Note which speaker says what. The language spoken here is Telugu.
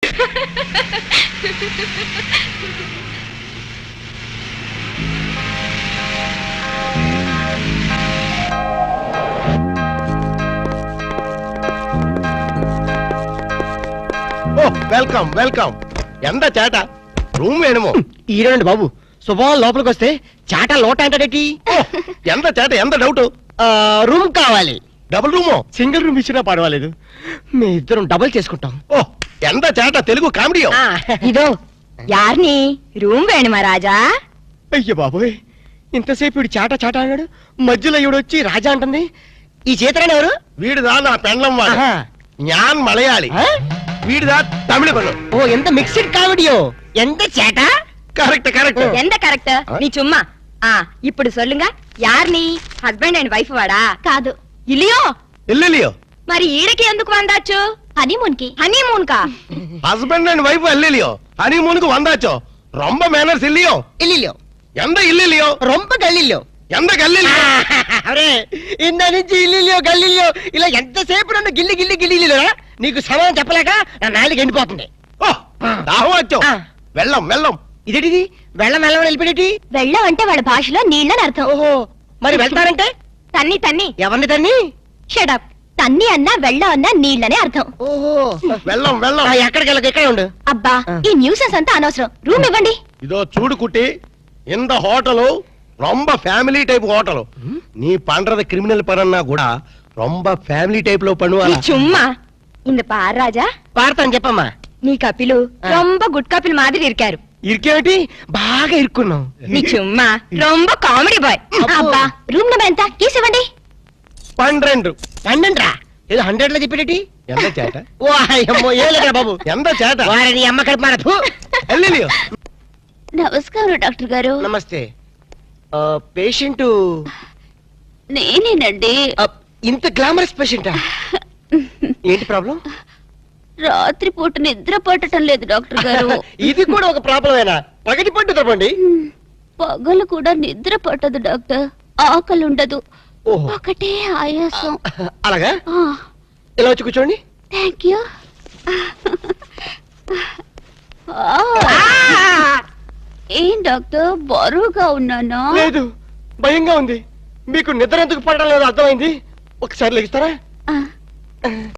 Speaker 1: Welcome welcome. ఎంత చేట రూమ్ వేణుమో
Speaker 2: ఈరోండి బాబు శుభం లోపలికి వస్తే చాట లోట అంటాడేటి.
Speaker 1: ఎంత చేట ఎంత డౌట్.
Speaker 2: రూమ్ కావాలి.
Speaker 1: డబుల్ రూమో
Speaker 2: సింగిల్ రూమ్ ఇచ్చినా పర్వాలేదు, మీ ఇద్దరం డబుల్ చేసుకుంటాం.
Speaker 1: ఓ ఎంత చేట తెలుగు కామెడీ.
Speaker 3: ఇదో యార్ని రూమ్ వేణుమా రాజా.
Speaker 2: అయ్య బాబోయ్, ఇంతసేపు వీడు చాట చాట అన్నాడు, మధ్యలో ఈవిడ వచ్చి రాజా అంటుంది. ఈ చేతరాని ఎవరు?
Speaker 1: వీడిదా నా పెండ్లం వాడు. జ్ఞాన్ మలయాళి. వీడిదా తమిళ పను.
Speaker 2: ఓ ఎంత మిక్స్డ్ కామెడియో. ఎంత చేట.
Speaker 1: Correct correct.
Speaker 3: ఎంత కరెక్ట్ నీ చుమ్మా. ఇప్పుడు సొల్లుంగ యార్ని హస్బెండ్ అండ్ వైఫ్ వాడా? కాదు ఇలియో.
Speaker 1: ఇల్లిలియో.
Speaker 3: మరి ఈడకి ఎందుకు వందాచ్చు? హనీమూన్ కి. హనీమూన్ కా?
Speaker 1: హస్బెండ్ అండ్ వైఫ్ అల్లిలియో హనీమూన్ కు వందాచో. రొంబ మేనర్స్ ఇల్లియో.
Speaker 2: ఇల్లిలో
Speaker 1: ఎంత ఇల్లిలియో.
Speaker 2: రొంప గల్లిలో.
Speaker 1: ఎంత గల్లిలియో.
Speaker 2: అరే ఇంద నుంచి ఇల్లిలో గల్లిలో ఇలా ఎంతసేపు నన్ను గిల్లి గిల్లి గిల్లిలో నీకు సమయం చెప్పలేక నా నాలుగు ఎండిపోతుంది.
Speaker 1: ఓ దాహం వచ్చో. వెళ్ళం వెళ్ళం.
Speaker 2: ఇదేటిది వెళ్ళం వెళ్ళం వెళ్ళిపోయేటి?
Speaker 3: వెళ్ళం అంటే వాళ్ళ భాషలో నీళ్ళని అర్థం.
Speaker 2: ఓహో మరి వెళ్తారంటే?
Speaker 3: తన్ని తన్ని.
Speaker 2: ఎవరిని తన్ని?
Speaker 3: షడప్. తన్ని అన్నా వెళ్ళం అన్నా నీళ్ళనే అర్థం.
Speaker 2: ఓహో
Speaker 1: వెళ్ళం వెళ్ళం.
Speaker 2: ఎక్కడికి వెళ్ళక ఇక్కడే ఉండు.
Speaker 3: అబ్బా ఈ న్యూసెన్స్ అంతా అనవసరం. రూమ్ ఇవ్వండి.
Speaker 1: இதோ చూడు కుట్టి, இந்த ஹோட்டலு ரொம்ப ఫ్యామిలీ టైప్ హోటల్. நீ பண்றது கிரிமினல் பரன்னா கூட ரொம்ப ఫ్యామిలీ టైప్ లో பண்ணுவாங்க.
Speaker 3: சும்மா இந்த பார் ராஜா.
Speaker 2: పాడతాను చెప్పమ్మా.
Speaker 3: నీ కపిలు రొంబ గుడ్ కపిల్ మాదిరి ఇరికారు.
Speaker 2: ఇరికేమిటి? బాగా ఇరుక్కున్నాం.
Speaker 3: నీ చుమ్మా రొంబ కామెడీ బాయ్. అబ్బా రూమ్ నెంబర్ ఎంత? కీస్ ఇవ్వండి.
Speaker 1: 12.
Speaker 2: 12 రా? ఏదో 100 లో చెప్పేటి?
Speaker 1: ఎంత చేట.
Speaker 2: ఓ అయ్యమ్మో ఏలేరా బాబు.
Speaker 1: ఎంత చేట.
Speaker 2: వారిని అమ్మ కడుపు మారదు.
Speaker 1: ఎల్లిలియో.
Speaker 3: నమస్కారం డాక్టర్ గారు.
Speaker 2: నమస్తే. పేషెంట్
Speaker 3: నేనేనండి.
Speaker 2: ఇంత గ్లామరస్ పేషెంటా? ఏంటి ప్రాబ్లం?
Speaker 3: రాత్రి పూట నిద్ర పట్టడం లేదు డాక్టర్ గారు.
Speaker 2: ఇది కూడా ఒక ప్రాబ్లమేనా? పగటి పట్టు తప్పండి.
Speaker 3: పగలు కూడా నిద్ర పట్టదు డాక్టర్. ఆకలి ఉండదు.
Speaker 2: ఓహో
Speaker 3: ఒకటే ఆయాసం.
Speaker 2: అలాగా? ఇలా వచ్చి కూర్చోండి.
Speaker 3: Thank you. ఏం డాక్టర్ బరువుగా ఉన్నానా?
Speaker 2: లేదు భయంగా ఉంది. మీకు నిద్ర ఎందుకు పడడం లేదు అర్థమైంది. ఒకసారి లెగిస్తారా?